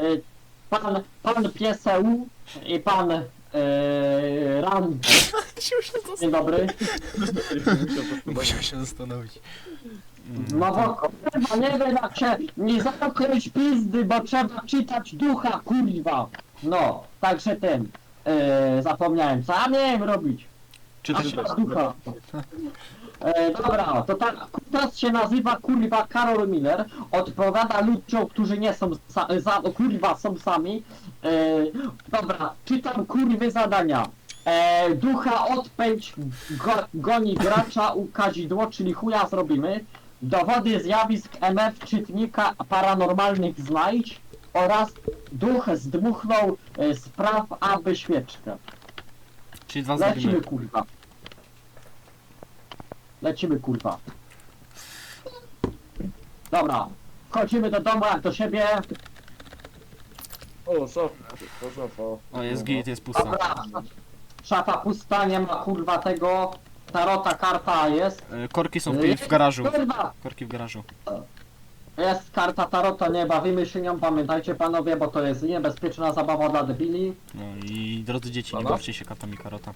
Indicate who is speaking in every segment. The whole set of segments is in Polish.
Speaker 1: pan Pieseł i pan Ran. Dzień dobry.
Speaker 2: Musiał się zastanowić.
Speaker 1: No bo kurwa, nie wiem jak się nie zamknąć pizdy, bo trzeba czytać ducha, kurwa. No, także ten, zapomniałem, co ja miałem robić?
Speaker 2: Czytać
Speaker 1: Ducha. Dobra, to tak, kutas się nazywa kurwa Karol Miller, odpowiada ludziom, którzy nie są kurwa, są sami. Dobra, czytam kurwy zadania. Ducha odpędź, goni gracza, ukazidło, czyli chuja zrobimy. Dowody zjawisk MF czytnika paranormalnych znajdź oraz duch zdmuchnął spraw aby świeczkę.
Speaker 2: Czyli dwa
Speaker 1: Lecimy
Speaker 2: zrobimy.
Speaker 1: kurwa. Lecimy kurwa. Dobra, wchodzimy do domu jak do siebie.
Speaker 3: O, szafa.
Speaker 2: O, jest git, jest pusta.
Speaker 1: Dobra, szafa pusta, nie ma kurwa tego. Tarota, karta jest.
Speaker 2: Korki są w garażu.
Speaker 1: Kurwa!
Speaker 2: Korki w garażu.
Speaker 1: Jest karta tarota, nie bawimy się nią, pamiętajcie panowie, bo to jest niebezpieczna zabawa dla debili.
Speaker 2: No i drodzy dzieci, nie
Speaker 3: Dobra.
Speaker 2: bawcie się katami karota.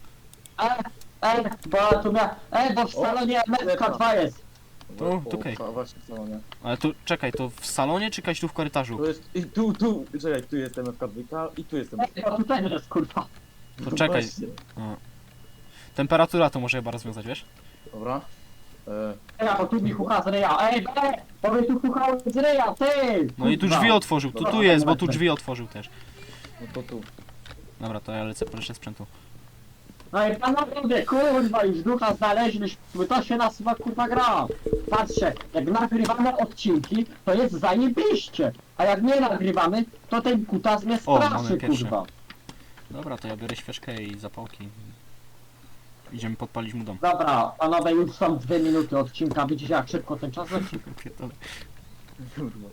Speaker 1: Bo tu bo w salonie MFK2 jest.
Speaker 2: Tu, okej.
Speaker 3: Właśnie w salonie.
Speaker 2: Ale tu, czekaj, to w salonie czy jakaś tu w korytarzu?
Speaker 3: Tu jest, i tu, czekaj, tu jest MFK2 i tu jest MFK2.
Speaker 1: Bo tutaj jest kurwa.
Speaker 2: To czekaj.
Speaker 3: Właśnie.
Speaker 2: O. Temperatura to może chyba rozwiązać, wiesz?
Speaker 3: Dobra.
Speaker 1: Bo tu mi chucha z ryja. Bo mi tu chucha z ryja, ty!
Speaker 2: No i tu
Speaker 1: Kurwa.
Speaker 2: drzwi otworzył, tu jest, bo tu drzwi otworzył też.
Speaker 3: No to tu.
Speaker 2: Dobra, to ja lecę po resztę sprzętu.
Speaker 1: No i panowie, kurwa, już ducha znaleźliśmy, to się nazywa kurwa gra. Patrzcie, jak nagrywamy odcinki, to jest zajebiście. A jak nie nagrywamy, to ten kutas mnie
Speaker 2: O, mamy
Speaker 1: straszy,
Speaker 2: pierwszy.
Speaker 1: kurwa.
Speaker 2: Dobra, to ja biorę świeczkę i zapałki. Idziemy podpalić mu dom.
Speaker 1: Dobra, panowie, już są 2 minuty odcinka, widzicie jak szybko ten czas leci?
Speaker 2: Pierdolę.
Speaker 3: Kurwa.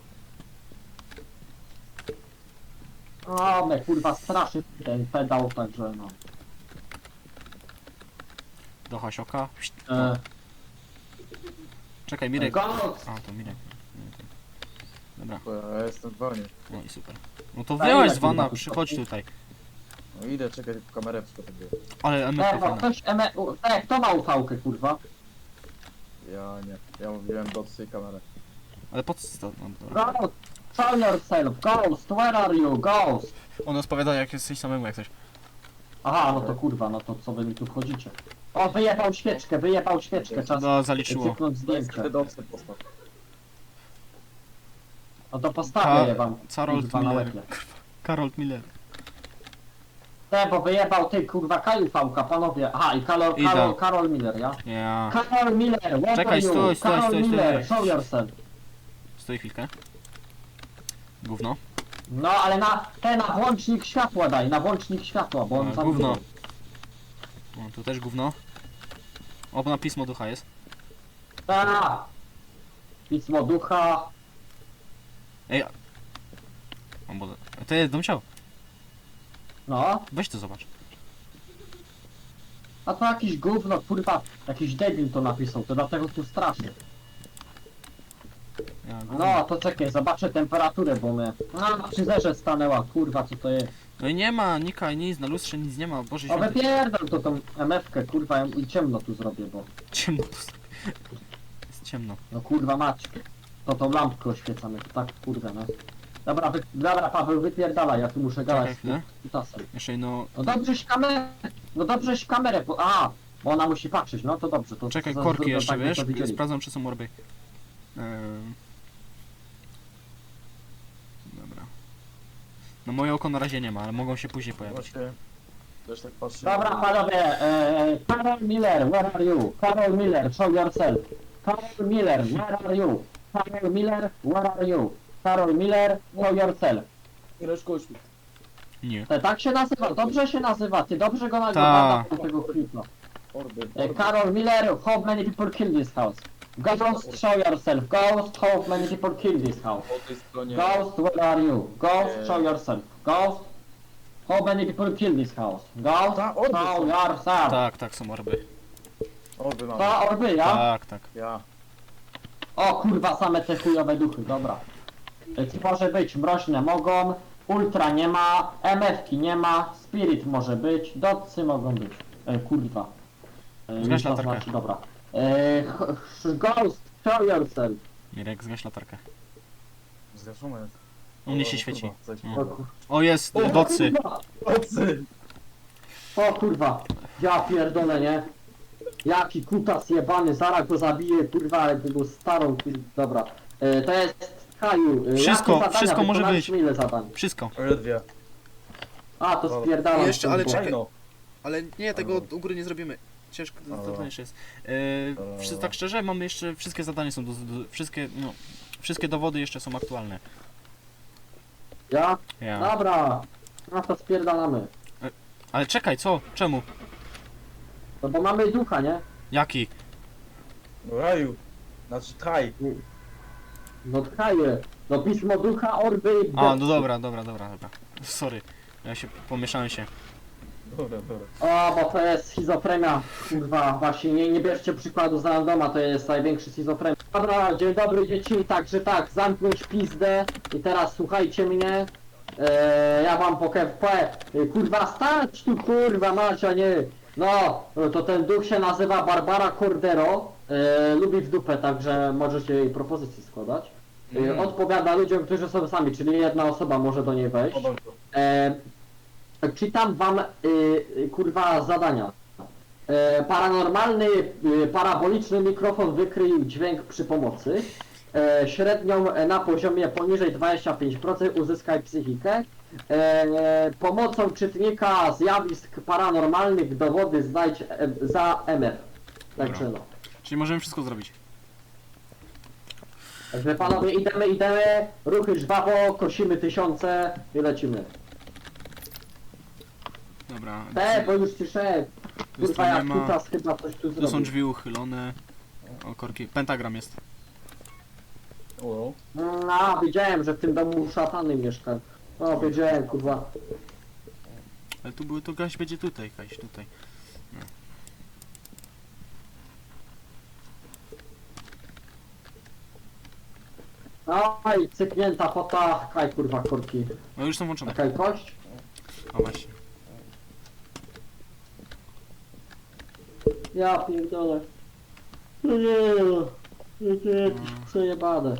Speaker 1: O, mnie kurwa straszy ten pedał, także no.
Speaker 2: Do Hasioka.
Speaker 1: E,
Speaker 2: Czekaj, Mirek.
Speaker 1: Ghost!
Speaker 2: A, to Mirek. Dobra,
Speaker 3: Bo ja jestem w wanie.
Speaker 2: no i super. No to
Speaker 1: A
Speaker 2: wyłaź
Speaker 1: ile,
Speaker 2: z wana,
Speaker 1: kurwa,
Speaker 2: przychodź tutaj.
Speaker 3: No idę, czekaj, tylko kamerę przygotuję.
Speaker 2: Ale MF
Speaker 1: Bo
Speaker 2: fajna.
Speaker 1: ktoś kto ma ufałkę, kurwa?
Speaker 3: Ja nie. Ja mówiłem do tej kamery.
Speaker 2: Ale po co to? No, dobra.
Speaker 1: Ghost! Show yourself! Ghost! Where are you? Ghost!
Speaker 2: On odpowiada jak jesteś samemu jak coś.
Speaker 1: Aha, no to kurwa, no to co wy mi tu wchodzicie? O, wyjebał świeczkę, czas
Speaker 2: No, zaliczyło.
Speaker 1: cyknąć zdjęcie.
Speaker 3: Wtedy odstęp postaw.
Speaker 1: No to postawię je wam,
Speaker 2: Karol
Speaker 1: kurwa, na
Speaker 2: Miller.
Speaker 1: łebie.
Speaker 2: Karol Miller.
Speaker 1: Bo wyjebał ty, kurwa, Kajufałka, panowie. Aha, i
Speaker 2: Idę.
Speaker 1: Karol Miller, ja?
Speaker 2: Ja.
Speaker 1: Karol Miller, where
Speaker 2: Czekaj,
Speaker 1: are you?
Speaker 2: stój, stój,
Speaker 1: Karol
Speaker 2: stój,
Speaker 1: Miller,
Speaker 2: stój.
Speaker 1: show yourself.
Speaker 2: Stoi chwilkę. Gówno.
Speaker 1: No, ale na włącznik światła daj, na włącznik światła, bo on
Speaker 2: A,
Speaker 1: tam...
Speaker 2: gówno. O, tu też gówno. O, na pismo ducha jest.
Speaker 1: Pismo ducha.
Speaker 2: Ej. O, bo... To jest dom ciał.
Speaker 1: No,
Speaker 2: Weź to zobacz.
Speaker 1: a to jakiś gówno, kurwa, jakiś debil to napisał, to dlatego tu strasznie.
Speaker 2: Ja, gówno.
Speaker 1: No, to czekaj, zobaczę temperaturę, bo mnie... No, przy zerze stanęła, kurwa, co to jest?
Speaker 2: No i nie ma, nika, nic, na lustrze nic nie ma, Boże
Speaker 1: O,
Speaker 2: święty.
Speaker 1: wypierdol to tą MF-kę, kurwa, i ciemno tu zrobię, bo...
Speaker 2: Ciemno tu. Jest ciemno.
Speaker 1: No kurwa mać. To tą lampkę oświecamy, to tak kurwa, no. Dobra, dobra Paweł, wypierdalaj, ja tu muszę gadać
Speaker 2: Czekaj
Speaker 1: z
Speaker 2: chwilę.
Speaker 1: kutasem.
Speaker 2: Jeszcze no...
Speaker 1: No dobrześ kamerę, bo ona musi patrzeć, no to dobrze. To
Speaker 2: Czekaj,
Speaker 1: to-
Speaker 2: korki
Speaker 1: to-
Speaker 2: jeszcze,
Speaker 1: tak by
Speaker 2: wiesz?
Speaker 1: to widzieli.
Speaker 2: Sprawdzam, czy są orby. Dobra. No moje oko na razie nie ma, ale mogą się później pojawić.
Speaker 3: Właśnie. Też tak patrzę.
Speaker 1: Dobra panowie, Karol Miller, where are you? Karol Miller, show yourself. Karol Miller, where are you? Karol Miller, where are you? Karol Miller, show yourself.
Speaker 3: Ileczko oświet.
Speaker 2: Nie.
Speaker 1: Tak się nazywa, dobrze się nazywa, ty dobrze go
Speaker 2: Ta.
Speaker 1: nazywa tego klipa.
Speaker 3: Orby.
Speaker 1: Karol Miller, how many people kill this house? Ghost, show yourself. Ghost, how many people kill this house?
Speaker 3: Po tej stronie.
Speaker 1: Ghost, where are you? Ghost, show yourself. Ghost, how many people kill this house? Ghost,
Speaker 3: Ta, orby
Speaker 1: show
Speaker 3: są.
Speaker 1: yourself.
Speaker 2: Tak, tak, są orby.
Speaker 3: Orby mam.
Speaker 1: To orby, ja?
Speaker 2: Tak, tak.
Speaker 3: Ja.
Speaker 1: O kurwa, same te chujowe duchy, dobra. Co może być? Mroźne mogą, Ultra nie ma, MF-ki nie ma, Spirit może być, Dotsy mogą być. Kurwa.
Speaker 2: Zgaś
Speaker 1: to
Speaker 2: latarkę.
Speaker 1: znaczy, dobra. Ghost, show yourself.
Speaker 2: Mirek, zgaś latarkę.
Speaker 3: Zgaszone jest.
Speaker 2: U mnie
Speaker 3: O,
Speaker 2: się
Speaker 3: kurwa,
Speaker 2: świeci.
Speaker 3: coś.
Speaker 2: O. O, jest,
Speaker 3: O,
Speaker 2: docy.
Speaker 1: Kurwa.
Speaker 3: Ocy!
Speaker 1: O kurwa, ja pierdolę, nie? Jaki kutas jebany, zaraz go zabiję, kurwa, jego starą, dobra. To jest Kaju.
Speaker 2: Wszystko,
Speaker 1: jakie zadania?
Speaker 2: wszystko może
Speaker 1: Wykonaliśmy
Speaker 2: być.
Speaker 1: Ile zadań?
Speaker 2: Wszystko.
Speaker 3: Ledwie.
Speaker 1: A, to spierdalam.
Speaker 4: Jeszcze, ale
Speaker 1: kurwa.
Speaker 4: czekaj.
Speaker 3: Fajno.
Speaker 4: Ale nie, tego u góry nie zrobimy. Ciężko, to jeszcze jest. Tak szczerze, mamy jeszcze, wszystkie zadania są, wszystkie, no, wszystkie dowody jeszcze są aktualne.
Speaker 1: Ja?
Speaker 2: Ja.
Speaker 1: Dobra. No to spierdalamy.
Speaker 2: Ale czekaj, co? Czemu?
Speaker 1: No bo mamy ducha, nie?
Speaker 2: Jaki?
Speaker 3: No raju. Znaczy traj.
Speaker 1: No tchaje. No pismo ducha, orby...
Speaker 2: A, no dobra. Sorry. Ja się pomieszałem się.
Speaker 3: Dobra, dobra.
Speaker 1: O, bo to jest schizofrenia. Kurwa, właśnie nie bierzcie przykładu z randoma, to jest największy schizofrenia. Dobra, dzień dobry dzieci, także tak, zamknąć pizdę i teraz słuchajcie mnie. Ja wam kurwa stać tu kurwa Macia, nie. No, to ten duch się nazywa Barbara Cordero. Lubi w dupę, także możecie jej propozycje składać. Odpowiada ludziom, którzy są sami, czyli jedna osoba może do niej wejść.
Speaker 3: O, dobrze.
Speaker 1: Czytam wam kurwa zadania. Paranormalny, paraboliczny mikrofon wykrył dźwięk przy pomocy. Średnią na poziomie poniżej 25% uzyskaj psychikę. Pomocą czytnika zjawisk paranormalnych dowody znajdź za MF. Także no.
Speaker 2: Czyli możemy wszystko zrobić.
Speaker 1: Także panowie idziemy, ruchy żwawo, kosimy tysiące i lecimy.
Speaker 2: Dobra.
Speaker 1: Bo już ci szedł.
Speaker 2: Tu
Speaker 1: Kurwa jak
Speaker 2: nie ma.
Speaker 1: kutas chyba coś tu
Speaker 2: Tu
Speaker 1: zrobił.
Speaker 2: są drzwi uchylone. O, korki. Pentagram jest.
Speaker 3: O,
Speaker 1: A, wiedziałem, że w tym domu szatany mieszka. O, wiedziałem, kurwa.
Speaker 2: Ale tu były, to gaś będzie tutaj, gaś tutaj.
Speaker 1: Oj, cyknięta pota. Kaj, kurwa, korki.
Speaker 2: No już są włączone.
Speaker 1: Kaj, kość.
Speaker 2: O właśnie.
Speaker 1: Ja pierdolę. No nie, jakieś przejebane.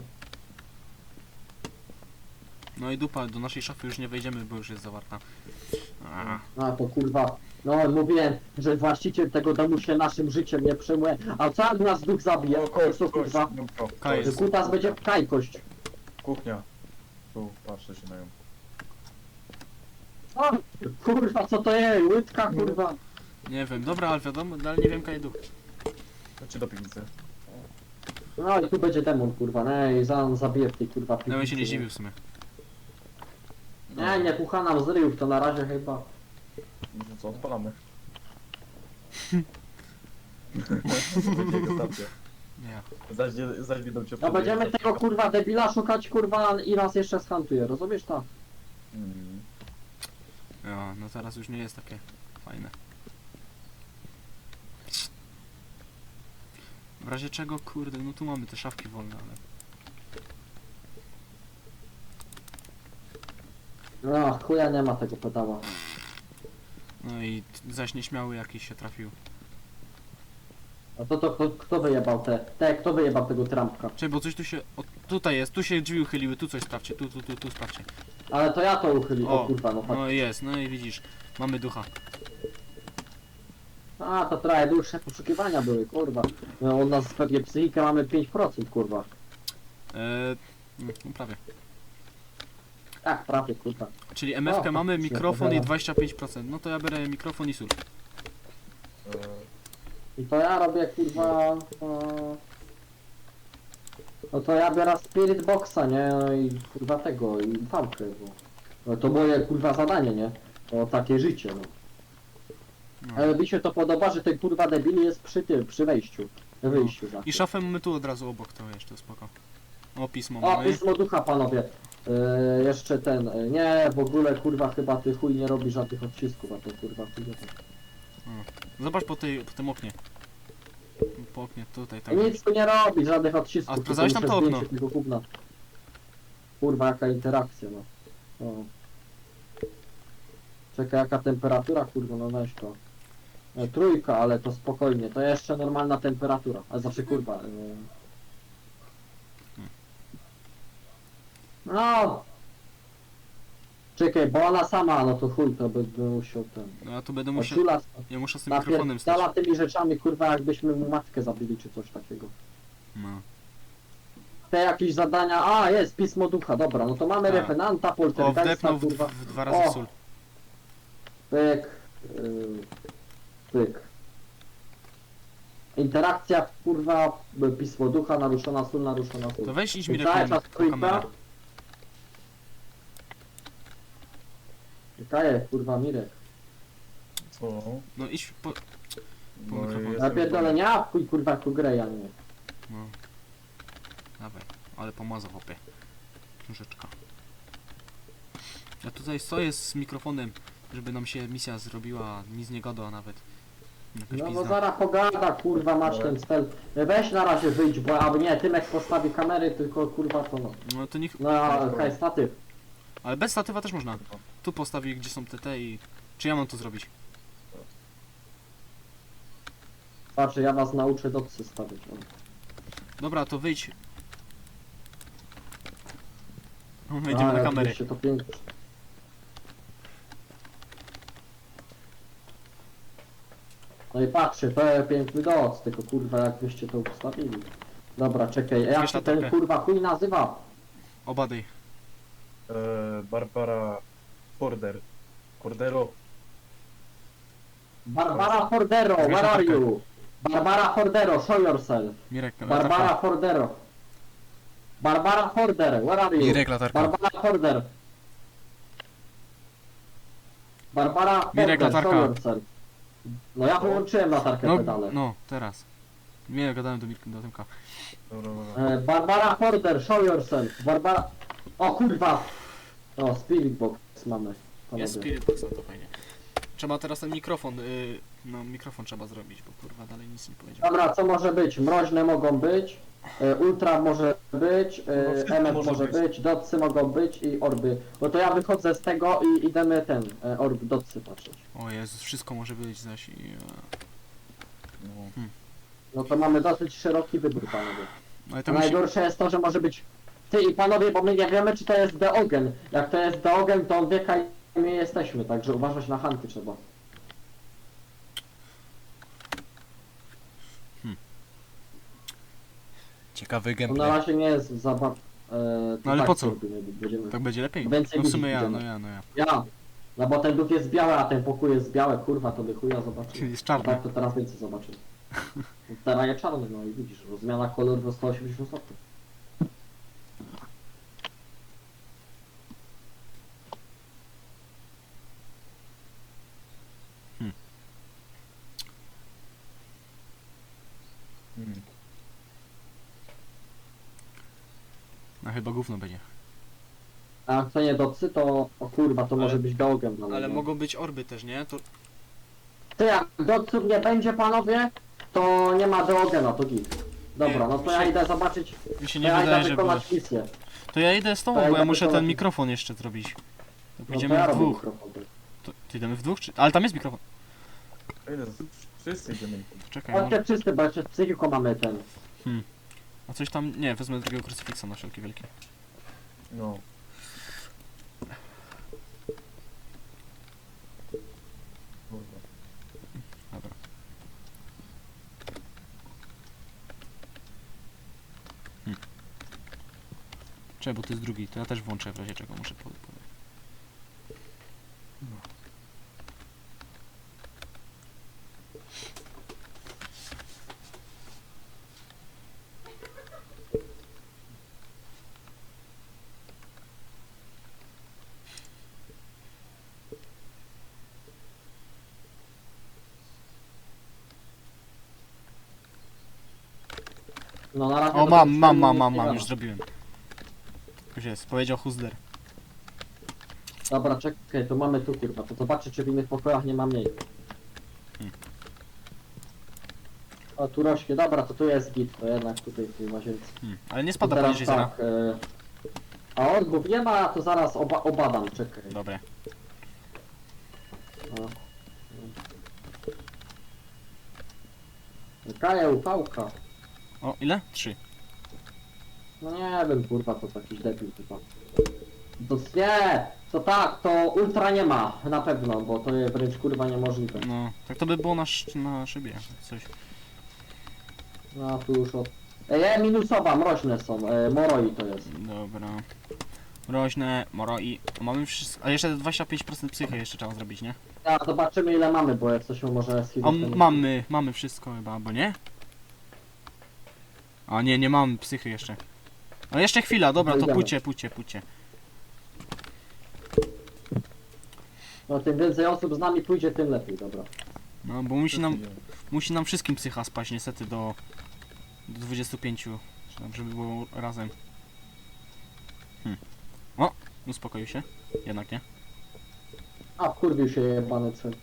Speaker 2: No i dupa, do naszej szafy już nie wejdziemy, bo już jest zawarta. A,
Speaker 1: A, to kurwa. No, mówiłem, że właściciel tego domu się naszym życiem nie przejmuje. A co jak nas duch zabije?
Speaker 3: o
Speaker 1: To
Speaker 3: kość,
Speaker 1: co,
Speaker 3: kość.
Speaker 1: kurwa?
Speaker 3: Dobra.
Speaker 2: Kaj
Speaker 1: Że
Speaker 2: jest.
Speaker 1: kutas będzie kaj kość.
Speaker 3: Kuchnia. Tu, patrzę się na nią.
Speaker 1: O, kurwa, co to jest? Łydka, kurwa.
Speaker 2: nie wiem, dobra, ale wiadomo, ale nie wiem, kaj duch.
Speaker 3: Chodźcie do piwnicy.
Speaker 1: No i tu będzie demon, kurwa. No i zabije w tej kurwa
Speaker 2: Ja bym się nie
Speaker 1: piwnicy,
Speaker 2: dziwił w sumie.
Speaker 1: Nie, pucha nam z ryjów, to na razie chyba.
Speaker 3: No to co, odpalamy. Będzie jego stacja.
Speaker 2: Nie.
Speaker 3: Zaś będą cię
Speaker 1: No będziemy
Speaker 3: obchodzić.
Speaker 1: tego kurwa debila szukać, kurwa, i nas jeszcze schantuje, rozumiesz to?
Speaker 3: Mm.
Speaker 2: Ja, no teraz już nie jest takie fajne. W razie czego, kurde, no tu mamy te szafki wolne, ale...
Speaker 1: No, chuja nie ma tego pedała.
Speaker 2: No i zaś nieśmiały jakiś się trafił.
Speaker 1: A to kto wyjebał kto wyjebał tego trampka?
Speaker 2: Czekaj, bo coś tu się... O, tutaj jest, tu się drzwi uchyliły, tu coś sprawdźcie, tu sprawdźcie.
Speaker 1: Ale to ja to uchyliłem, o
Speaker 2: O,
Speaker 1: kurwa, no
Speaker 2: no jest, no i widzisz, mamy ducha.
Speaker 1: A, to trochę dłuższe poszukiwania były, kurwa. No, u nas pewnie psychikę mamy 5%, kurwa.
Speaker 2: No prawie.
Speaker 1: Tak, prawie, kurwa.
Speaker 2: Czyli MF-kę
Speaker 1: O,
Speaker 2: mamy,
Speaker 1: się
Speaker 2: mikrofon i
Speaker 1: opowiada.
Speaker 2: 25%. No to ja biorę mikrofon i sól.
Speaker 1: I to ja robię, kurwa... No to ja biorę Spirit Boxa, nie? No i kurwa tego, i fałkę, bo... No to moje, kurwa, zadanie, nie? To takie życie, no.
Speaker 2: No.
Speaker 1: Ale mi się to podoba, że ten kurwa debil jest przy tym, przy wejściu. Wyjściu za.
Speaker 2: I szafę mamy tu od razu obok, to jeszcze spoko. O, pismo
Speaker 1: O,
Speaker 2: mamy.
Speaker 1: pismo ducha, panowie. Jeszcze ten, nie, w ogóle kurwa chyba ty chuj nie robi żadnych odcisków, a to kurwa chuj nie tak.
Speaker 2: Zobacz po tym oknie. Po oknie, tutaj, tak.
Speaker 1: Nic tu nie robi, żadnych odcisków.
Speaker 2: A
Speaker 1: tylko
Speaker 2: sprawdzałeś tam
Speaker 1: muszę
Speaker 2: to okno?
Speaker 1: zdjęcie tego gówna. Kurwa, jaka interakcja, no. O. Czekaj, jaka temperatura, kurwa, no weź to. Trójka, ale to spokojnie, to jeszcze normalna temperatura. A znaczy, kurwa. No! Czekaj, bo ona sama, no to chuj, to by musiał ten...
Speaker 4: No ja tu będę musiał...
Speaker 1: Oczula
Speaker 4: Ja muszę z tym mikrofonem stać.
Speaker 1: napierdala tymi rzeczami, kurwa, jakbyśmy mu matkę zabili, czy coś takiego.
Speaker 4: No.
Speaker 1: Te jakieś zadania, a jest, pismo ducha, dobra, no to mamy
Speaker 4: Tak.
Speaker 1: revenanta,
Speaker 4: O,
Speaker 1: poltergeista,
Speaker 4: wdepnął
Speaker 1: kurwa,
Speaker 4: w 2 razy
Speaker 1: O.
Speaker 4: sól.
Speaker 1: pyk, pyk. Interakcja, kurwa, pismo ducha, naruszona sól, naruszona sól.
Speaker 4: To weź idź
Speaker 1: I
Speaker 4: mi
Speaker 1: cały czas
Speaker 4: po
Speaker 1: trójka.
Speaker 4: kamerę.
Speaker 1: Czekaj, kurwa, Mirek.
Speaker 3: Co?
Speaker 4: No idź po...
Speaker 3: No,
Speaker 4: mikrofon.
Speaker 1: Ja pierdolę, nie, a chuj, kurwa, tu grę, ja nie.
Speaker 4: No. Dawaj, ale pomazał hopie. Książeczka. Ja tutaj stoję z mikrofonem, żeby nam się misja zrobiła, nic nie gada nawet. Jakaś
Speaker 1: No bo
Speaker 4: pizda.
Speaker 1: zaraz pogada, kurwa, masz ten cel. Weź na razie wyjdź, bo albo nie, Tymek postawi kamery, tylko kurwa to no.
Speaker 4: No to niech...
Speaker 1: No, hej, statyw.
Speaker 4: Ale bez statywa też można. Tu postawi, gdzie są te i... Czy ja mam to zrobić?
Speaker 1: Patrz, ja was nauczę docy stawiać. O.
Speaker 4: Dobra, to wyjdź. Wejdziemy
Speaker 1: Ale
Speaker 4: na kamery.
Speaker 1: oczywiście to pięknie. No i patrzcie, to jest piękny doc, tylko kurwa jak wyście to ustawili. Dobra, czekaj, jak
Speaker 4: Wiesz,
Speaker 1: się
Speaker 4: latarkę.
Speaker 1: ten kurwa chuj nazywa?
Speaker 4: Obadaj.
Speaker 3: Barbara Porder. Cordero.
Speaker 1: Barbara Hordero,
Speaker 4: Wiesz,
Speaker 1: where are
Speaker 4: latarkę.
Speaker 1: you? Barbara Hordero, show yourself.
Speaker 4: Mirek,
Speaker 1: Barbara
Speaker 4: latarka.
Speaker 1: Hordero. Barbara Horder, where are you?
Speaker 4: Mirek, latarka.
Speaker 1: Barbara Horder. Barbara
Speaker 4: Mirek,
Speaker 1: Horder,
Speaker 4: latarka.
Speaker 1: show yourself. No ja wyłączyłem latarkę
Speaker 4: No,
Speaker 1: pedale.
Speaker 4: no, teraz. Nie, gadałem do Tymka.
Speaker 3: Dobra, dobra.
Speaker 1: Barbara Horder, show yourself. Barbara... O kurwa! O, Spirit Box mamy. panowie.
Speaker 4: Jest Spirit Box, no to fajnie. Trzeba teraz ten mikrofon, no mikrofon trzeba zrobić, bo kurwa dalej nic nie powiedział.
Speaker 1: Dobra, co może być? Mroźne mogą być. Ultra może być,
Speaker 3: No, wszystko
Speaker 1: MF
Speaker 3: może
Speaker 1: może
Speaker 3: być.
Speaker 1: być, dotsy mogą być i orby. No to ja wychodzę z tego i idziemy ten, orb dotsy patrzeć.
Speaker 4: O Jezus, wszystko może być zaś i...
Speaker 3: No.
Speaker 1: No to mamy dosyć szeroki wybór, panowie.
Speaker 4: Ale to musi...
Speaker 1: Najgorsze jest to, że może być ty i panowie, bo my nie wiemy, czy to jest Deogen. Jak to jest Deogen, to on wie, kaj my jesteśmy, także uważać na hanty trzeba.
Speaker 4: Ciekawy
Speaker 1: To na razie nie jest zabaw...
Speaker 4: No ale po co?
Speaker 1: Będziemy...
Speaker 4: Tak będzie lepiej?
Speaker 1: Więcej
Speaker 4: No w sumie
Speaker 1: ludzi
Speaker 4: ja,
Speaker 1: idziemy.
Speaker 4: no ja.
Speaker 1: Ja! No bo ten duch jest biały, a ten pokój jest biały, kurwa, to by chuja zobaczymy.
Speaker 4: Jest
Speaker 1: A
Speaker 4: czarny.
Speaker 1: tak to teraz więcej zobaczymy. Teraz jest czarny, no i widzisz, bo zmiana koloru do 180 stopni.
Speaker 3: Hmm.
Speaker 4: No chyba gówno będzie.
Speaker 1: A jak to nie docy, to o kurwa, to
Speaker 4: Ale-
Speaker 1: może być Deogen. No,
Speaker 4: Ale
Speaker 1: no.
Speaker 4: mogą być orby też, nie? To...
Speaker 1: Ty, jak doców nie będzie, panowie, to nie ma Deogena, to git. Dobra, no to ja idę zobaczyć,
Speaker 4: Mi się
Speaker 1: to
Speaker 4: nie
Speaker 1: ja
Speaker 4: wydaje,
Speaker 1: idę
Speaker 4: że było.
Speaker 1: wykonać misję.
Speaker 4: To ja idę z tobą,
Speaker 1: To ja
Speaker 4: bo ja
Speaker 1: idę
Speaker 4: muszę ten
Speaker 1: wykonać-
Speaker 4: mikrofon jeszcze zrobić. To
Speaker 1: No to
Speaker 4: pójdziemy
Speaker 1: ja
Speaker 4: w
Speaker 1: robię
Speaker 4: dwóch.
Speaker 1: mikrofon.
Speaker 4: To idziemy w dwóch, czy... Ale tam jest mikrofon.
Speaker 3: Ile? Wszyscy idziemy.
Speaker 4: Czekaj, może...
Speaker 1: Chodźcie wszyscy, bo jeszcze z psychiką mamy ten.
Speaker 4: A coś tam... Nie, wezmę drugiego krucyfiksa na wszelki wielki.
Speaker 3: No. Kurwa.
Speaker 4: Dobra. Czekaj, bo to jest drugi, to ja też włączę w razie czego muszę powiedzieć.
Speaker 1: No na razie...
Speaker 4: O,
Speaker 1: to
Speaker 4: mam,
Speaker 1: nic
Speaker 4: mam,
Speaker 1: nie
Speaker 4: mam, mam, mam,
Speaker 1: wiadomo.
Speaker 4: już zrobiłem. Już jest, powiedział Huzler.
Speaker 1: Dobra, czekaj, to mamy tu kurwa, to zobaczę, czy w innych pokojach nie ma mniej. O, tu rośnie, dobra, to tu jest git, to jednak tutaj w tej łazience.
Speaker 4: Ale nie
Speaker 1: To
Speaker 4: spada
Speaker 1: teraz
Speaker 4: poniżej zera.
Speaker 1: tak, a orbów nie ma, to zaraz obadam, czekaj.
Speaker 4: Dobra.
Speaker 1: O. Kaja upałka.
Speaker 2: O, ile? 3.
Speaker 1: No nie wiem, kurwa, to jakiś debil chyba. To nie! To tak, to ultra nie ma, na pewno, bo to jest wręcz kurwa niemożliwe.
Speaker 2: No, tak to by było na szybie, coś.
Speaker 1: No tu już od... minusowa, mroźne są, moroi to jest.
Speaker 2: Dobra. Mroźne, moroi. Mamy wszystko. A jeszcze 25% psychy jeszcze trzeba zrobić, nie?
Speaker 1: Ja zobaczymy ile mamy, bo jak coś może
Speaker 2: A
Speaker 1: schizofrenicznie.
Speaker 2: mamy wszystko chyba, bo nie? A nie mamy psychy jeszcze. Ale jeszcze chwila, dobra, to
Speaker 1: Idziemy.
Speaker 2: pójdźcie.
Speaker 1: No tym więcej osób z nami pójdzie, tym lepiej, dobra.
Speaker 2: No, bo musi nam wszystkim psycha spaść niestety do 25, żeby było razem. O, uspokoił się. Jednak nie.
Speaker 1: A wkurwił się jebany cel.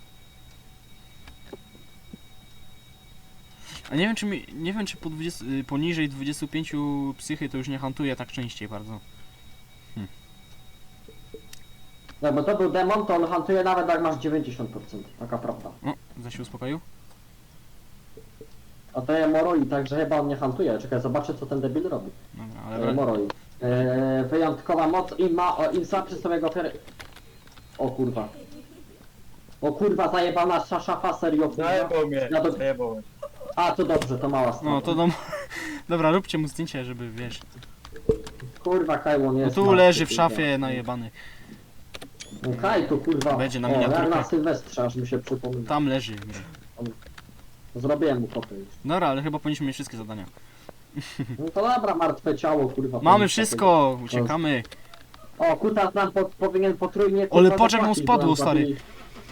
Speaker 2: A nie wiem czy poniżej 25 psychy to już nie hantuje tak częściej bardzo.
Speaker 1: No bo to był demon, to on hantuje nawet jak masz 90%, taka prawda.
Speaker 2: O, zaś się uspokoił.
Speaker 1: A to jest moroi, także chyba on nie hantuje. Czekaj, zobaczę co ten debil robi.
Speaker 2: Dobra, ale
Speaker 1: Moroi. Wyjątkowa moc i im słabszy sobie go O kurwa. O kurwa, zajebana szafa, serio kurwa.
Speaker 3: Zajebał mnie,
Speaker 1: Ja to-
Speaker 3: zajebał mnie.
Speaker 1: A, to dobrze, to mała strona.
Speaker 2: no to dom... Dobra, róbcie mu zdjęcie, żeby wiesz.
Speaker 1: Kurwa, Kajłon
Speaker 2: No
Speaker 1: jest.
Speaker 2: tu
Speaker 1: martwy,
Speaker 2: leży w
Speaker 1: kurwa.
Speaker 2: szafie najebany.
Speaker 1: No Kaj tu kurwa.
Speaker 2: Będzie na
Speaker 1: O, jak
Speaker 2: miniaturkę.
Speaker 1: na Sylwestrze, aż mi się przypomina.
Speaker 2: Tam leży.
Speaker 1: Zrobiłem mu kopę już.
Speaker 2: Dobra, ale chyba powinniśmy mieć wszystkie zadania.
Speaker 1: No to dobra, martwe ciało, kurwa.
Speaker 2: Mamy
Speaker 1: powinno
Speaker 2: wszystko, uciekamy.
Speaker 1: O, kutas nam powinien potrójnie...
Speaker 2: Ale
Speaker 1: kurwa,
Speaker 2: patrz, jak mu
Speaker 1: zapłacić, bo
Speaker 2: spadło,
Speaker 1: nam
Speaker 2: stary.
Speaker 1: zabili.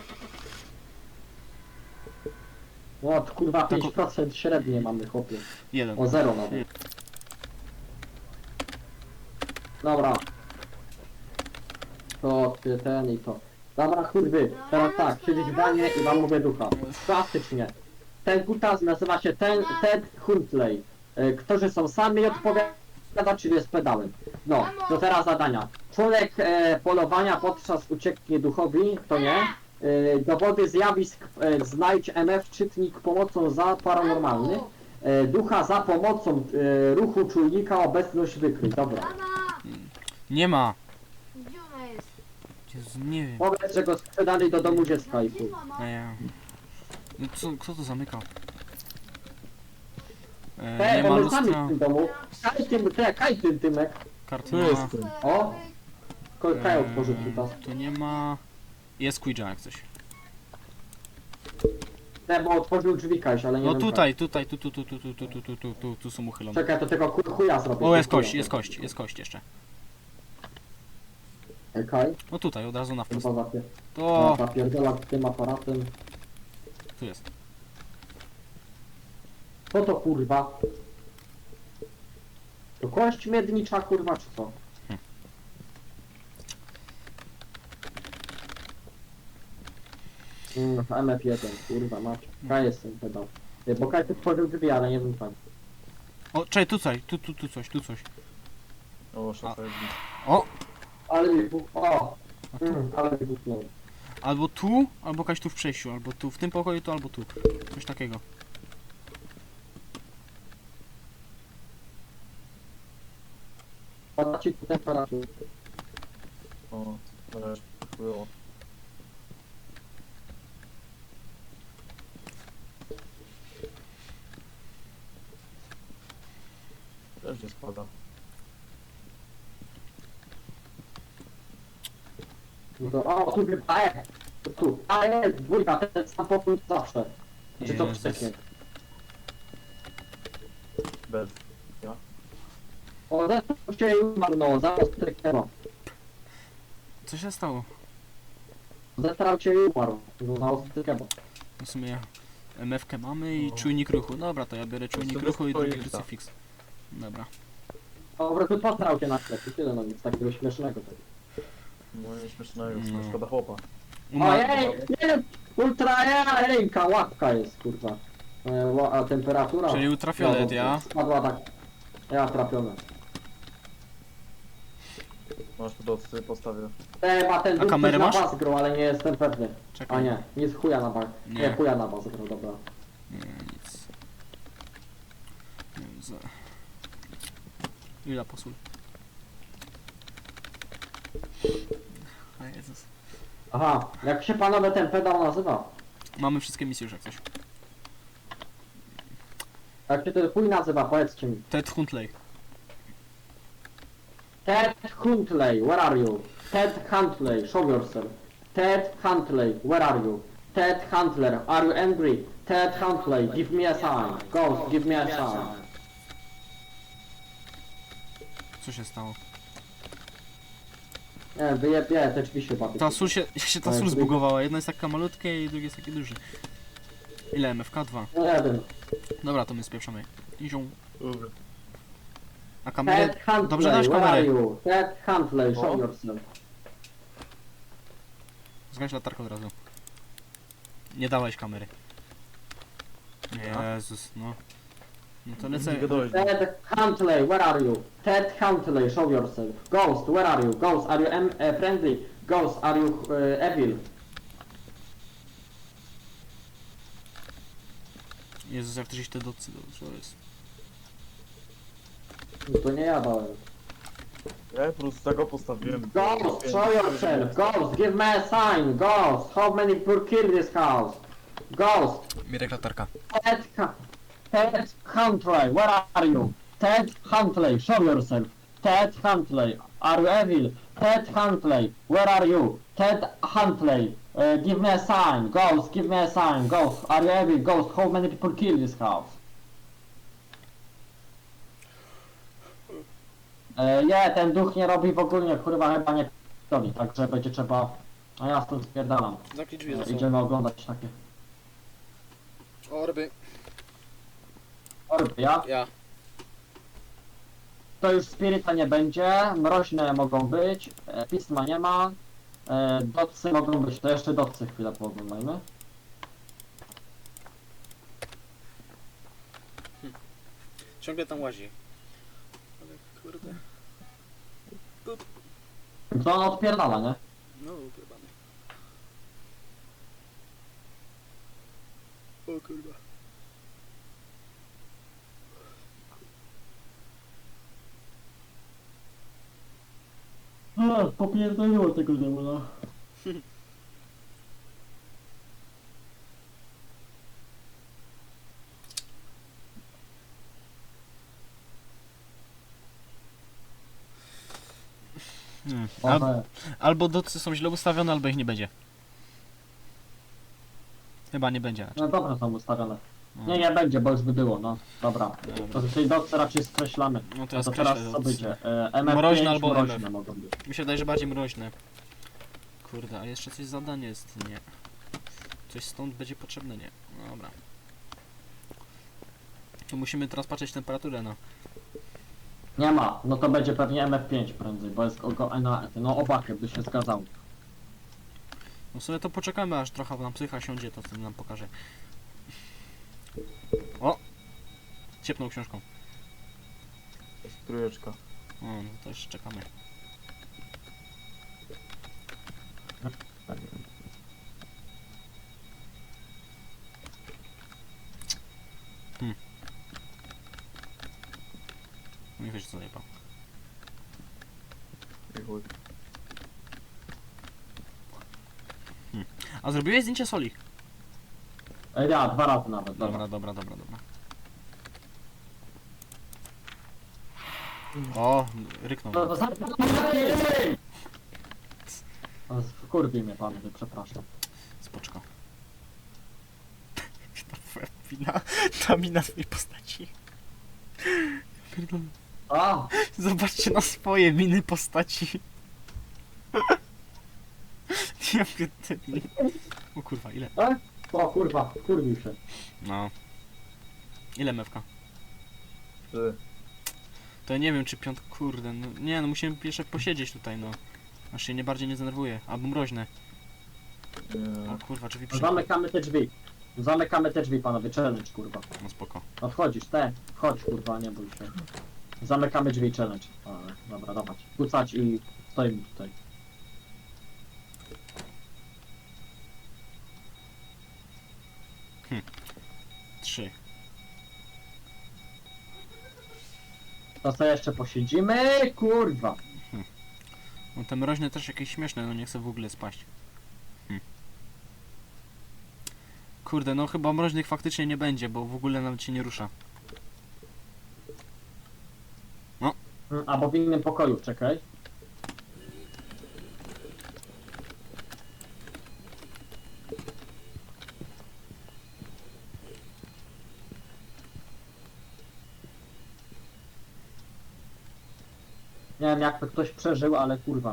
Speaker 1: O, kurwa,
Speaker 2: Tak
Speaker 1: 5% średnie mamy, chłopie.
Speaker 2: Jeden.
Speaker 1: O, 0 nawet. Dobra. To, ten i to. Dobra, kurwy, teraz tak, siedzieć w wanie i wam mówię ducha. Klasycznie. Ten kutas nazywa się Ted Huntley. Którzy są sami odpowiada, czyli jest pedałem. No, to teraz zadania. Członek polowania podczas ucieknie duchowi, to nie. Dowody zjawisk znajdź MF czytnik pomocą za paranormalny. Ducha za pomocą ruchu czujnika obecność wykryj. Dobra.
Speaker 2: Nie ma.
Speaker 5: Gdzie ona jest?
Speaker 2: Jezu, nie wiem.
Speaker 1: Powiedz, że go sprzedali do domu dziecka i chuj.
Speaker 2: No kto to zamykał?
Speaker 1: Te,
Speaker 2: Nie ma
Speaker 1: bo my sami
Speaker 2: lustra,
Speaker 1: w tym domu. Kaj tym Tymek.
Speaker 2: karty
Speaker 3: Tu
Speaker 2: nie ma.
Speaker 3: jestem.
Speaker 1: O! Kaj otworzył kutas.
Speaker 2: Tu nie ma. Jest Ouija jak coś.
Speaker 1: Nie, bo otworzył drzwi Kajś, ale nie
Speaker 2: No
Speaker 1: wiem
Speaker 2: tutaj tu są
Speaker 1: jak.
Speaker 2: uchylone.
Speaker 1: Czekaj, to tego chuja zrobię.
Speaker 2: O, jest kość, jest kość jeszcze.
Speaker 1: Kaj,
Speaker 2: No tutaj, od razu na wprost.
Speaker 1: chyba
Speaker 2: To
Speaker 1: zapierdola tym aparatem.
Speaker 2: tu jest.
Speaker 1: Co to kurwa? To kość miednicza kurwa czy co? MF1, kurwa mać. Kaj jestem pedał. Bo Kaj tu tworzył drzwi, ale nie wiem pan.
Speaker 2: O, czekaj, tu coś.
Speaker 3: O, szafa jest blisko.
Speaker 2: O!
Speaker 1: Ale mi o!
Speaker 2: A tu?
Speaker 1: Ale mi buchnął.
Speaker 2: Albo tu, albo jakaś tu w przejściu, albo tu w tym pokoju, to albo tu. Coś takiego.
Speaker 1: Pada ci tu temperaturę.
Speaker 3: O, też było. Też nie spada.
Speaker 1: No to, o, tu chyba, tu. A jest, dwójka, ten sam pokój zawsze. Czy to
Speaker 2: Jezus.
Speaker 1: przeciek?
Speaker 3: Bez.
Speaker 1: O, zresztą się umarł, no, zaraz tryknęło.
Speaker 2: Co się stało?
Speaker 1: Zestrał cię i umarł. No, na ostrykę.
Speaker 2: W sumie MF-kę mamy i czujnik ruchu. Dobra, to ja biorę czujnik
Speaker 3: sobie
Speaker 2: ruchu i drugi
Speaker 3: spojrzę.
Speaker 2: krucyfiks. Dobra.
Speaker 1: Po prostu postrał cię na sklepie, tyle no nic takiego śmiesznego.
Speaker 3: No nie śmiesznego,
Speaker 2: No.
Speaker 3: szkoda chłopa.
Speaker 1: Ojej, nie, ultra ręka, łapka jest, kurwa. A temperatura?
Speaker 2: Czyli ultrafiolet,
Speaker 1: No,
Speaker 2: ja?
Speaker 1: Spadła tak. Ja trafiona.
Speaker 3: Masz tu docy, postawię.
Speaker 1: Ma ten
Speaker 2: A
Speaker 1: duch
Speaker 2: kamerę
Speaker 1: coś na
Speaker 2: masz?
Speaker 1: bas grał, ale nie jestem pewny.
Speaker 2: Czekaj.
Speaker 1: A nie, nic chuja na bas.
Speaker 2: Nie.
Speaker 1: Nie, chuja na bas grał, dobra.
Speaker 2: Nie, nic. Nie wiem, Ile posól? A Jezus.
Speaker 1: Aha, jak się panowie ten pedał nazywa?
Speaker 2: Mamy wszystkie misje już jak coś.
Speaker 1: Jak się ten chuj nazywa, powiedzcie mi.
Speaker 2: Ted Huntley.
Speaker 1: Ted Huntley, where are you? Ted Huntley, show yourself. Ted Huntley, where are you? Ted Huntler, are you angry? Ted Huntley, give me a sign. Ghost, give me a sign.
Speaker 2: Co się stało?
Speaker 1: Nie, wyjebie, te drzwi się bawi.
Speaker 2: Ta sól się ta sól zbugowała. Jedna jest taka malutka i drugie jest takie duże. Ile MFK? 2.
Speaker 1: Nie wiem.
Speaker 2: Dobra, to my spieprzamy. Izią.
Speaker 3: Dobra.
Speaker 2: A kamerę...
Speaker 1: Ted Huntley,
Speaker 2: Dobrze, dasz
Speaker 1: where are
Speaker 2: kamerę.
Speaker 1: you? Ted Huntley, show
Speaker 3: O.
Speaker 1: yourself.
Speaker 2: Zgaś latarkę od razu. Nie dałeś kamery. Jezus, no. No to lecę.
Speaker 3: Nie gadałeś.
Speaker 1: Ted Huntley, where are you? Ted Huntley, show yourself. Ghost, where are you? Ghost, are you friendly? Ghost, are you evil?
Speaker 2: Jezus, jak ktoś te docy, co jest?
Speaker 1: No to nie ja dałem.
Speaker 3: Ja po prostu tego postawiłem.
Speaker 1: Ghost, show yourself. Ghost, give me a sign. Ghost, how many people kill this house? Ghost,
Speaker 2: Mirek latarka.
Speaker 1: Ted Huntley, where are you? Ted Huntley, show yourself. Ted Huntley, are you evil? Ted Huntley, where are you? Ted Huntley, give me a sign. Ghost, give me a sign. Ghost, are you evil? Ghost, how many people kill this house? Nie, ten duch nie robi w ogóle, kurwa chyba nie robi, także będzie trzeba... A ja stąd spierdalam.
Speaker 2: Zamknij drzwi
Speaker 1: Idziemy oglądać takie
Speaker 2: Orby.
Speaker 1: orby, ja?
Speaker 2: Ja.
Speaker 1: To już spiryta nie będzie, mroźne mogą być, pisma nie ma, docy mogą być, to jeszcze docy chwilę pooglądajmy.
Speaker 2: Ciągle tam łazi. Ale kurde.
Speaker 1: To on odpierdala, nie?
Speaker 2: No, ukrywane. O kurwa.
Speaker 1: Popierdoliło tego demona.
Speaker 2: Albo docy są źle ustawione, albo ich nie będzie. Chyba nie będzie.
Speaker 1: No dobra, są ustawione.
Speaker 2: No.
Speaker 1: Nie będzie, bo już by było, no. Dobra.
Speaker 2: Dobra.
Speaker 1: To tej docy raczej skreślamy.
Speaker 2: No to
Speaker 1: No
Speaker 2: ja
Speaker 1: to
Speaker 2: skreślę
Speaker 1: teraz co
Speaker 2: docy.
Speaker 1: będzie? MF5
Speaker 2: Mroźne albo
Speaker 1: mroźne
Speaker 2: MF.
Speaker 1: mogą być.
Speaker 2: Mi się wydaje, że bardziej mroźne. Kurde, a jeszcze coś zadanie jest, nie. Coś stąd będzie potrzebne, nie. No dobra. Tu musimy teraz patrzeć temperaturę, no.
Speaker 1: Nie ma, no to będzie pewnie MF5 prędzej, bo jest no obakę by się zgadzał.
Speaker 2: No sobie to poczekamy, aż trochę nam psycha siądzie, to wtedy nam pokaże. O! Ciepnął książką.
Speaker 3: Trójeczka.
Speaker 2: O, no to jeszcze czekamy. No i wiesz co zajebał.
Speaker 3: I chuj.
Speaker 2: A zrobiłeś zdjęcie soli?
Speaker 1: Ja, 2 razy nawet, dobra.
Speaker 2: Dobra. O, ryknął.
Speaker 1: No, kurwi mnie pan, przepraszam.
Speaker 2: Spoczko. Ta mina swojej postaci. Pierdolę.
Speaker 1: A!
Speaker 2: Zobaczcie na swoje miny postaci. Ja pierdolę. O kurwa, ile?
Speaker 1: O kurwa, kurwił się.
Speaker 2: No. Ile mewka?
Speaker 3: Ty.
Speaker 2: To ja nie wiem czy kurde, no nie no musimy jeszcze posiedzieć tutaj no. Aż się nie bardziej nie zdenerwuję, albo mroźne.
Speaker 3: Nie.
Speaker 2: O kurwa, drzwi przy...
Speaker 1: Zamykamy te drzwi. Zamykamy te drzwi, panowie, challenge, kurwa.
Speaker 2: No spoko.
Speaker 1: No wchodzisz, wchodź, kurwa, nie bój się. Zamykamy drzwi, challenge. A, dobra, dawać. Kucać i stoimy tutaj.
Speaker 2: Trzy.
Speaker 1: To sobie jeszcze posiedzimy, kurwa.
Speaker 2: No te mroźne też jakieś śmieszne, no nie chcę w ogóle spaść. Kurde, no chyba mroźnych faktycznie nie będzie, bo w ogóle nawet się nie rusza.
Speaker 1: Albo w innym pokoju, czekaj. Nie wiem jak to ktoś przeżył, ale kurwa.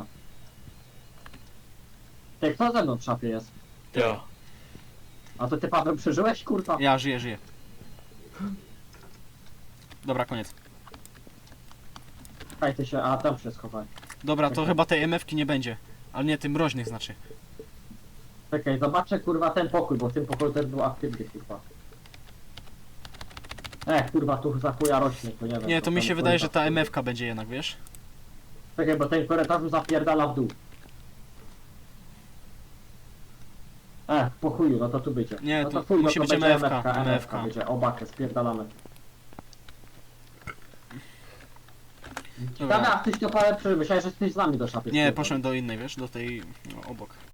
Speaker 1: Ty, kto ze mną w szafie jest?
Speaker 3: Ja.
Speaker 1: A to ty, Paweł, przeżyłeś, kurwa?
Speaker 2: Ja żyję. Dobra, koniec.
Speaker 1: Czekaj, ty się, a tam się schowaj.
Speaker 2: Dobra, to
Speaker 1: Okej.
Speaker 2: chyba tej MF-ki nie będzie. Ale nie, tym mroźnych znaczy.
Speaker 1: Czekaj, zobaczę, kurwa, ten pokój, bo w tym pokoju też był aktywny, kurwa. Kurwa, tu za chuja rośnie, to nie wiem.
Speaker 2: Nie, to mi
Speaker 1: ten
Speaker 2: się wydaje, że
Speaker 1: korytarz-
Speaker 2: ta MF-ka będzie jednak, wiesz?
Speaker 1: Czekaj, bo ten korytarz zapierdala w dół. Po chuju, no to tu będzie.
Speaker 2: Nie,
Speaker 1: no
Speaker 2: tu
Speaker 1: chuj,
Speaker 2: musi
Speaker 1: no
Speaker 2: być
Speaker 1: to będzie
Speaker 2: MF-ka,
Speaker 1: MF-ka będzie, obakę, spierdalamy.
Speaker 2: Dobra.
Speaker 1: Dobra, a tyś to parę myślałeś, że jesteś z nami do szafy.
Speaker 2: Nie, poszedłem do innej, wiesz? Do tej... No, obok.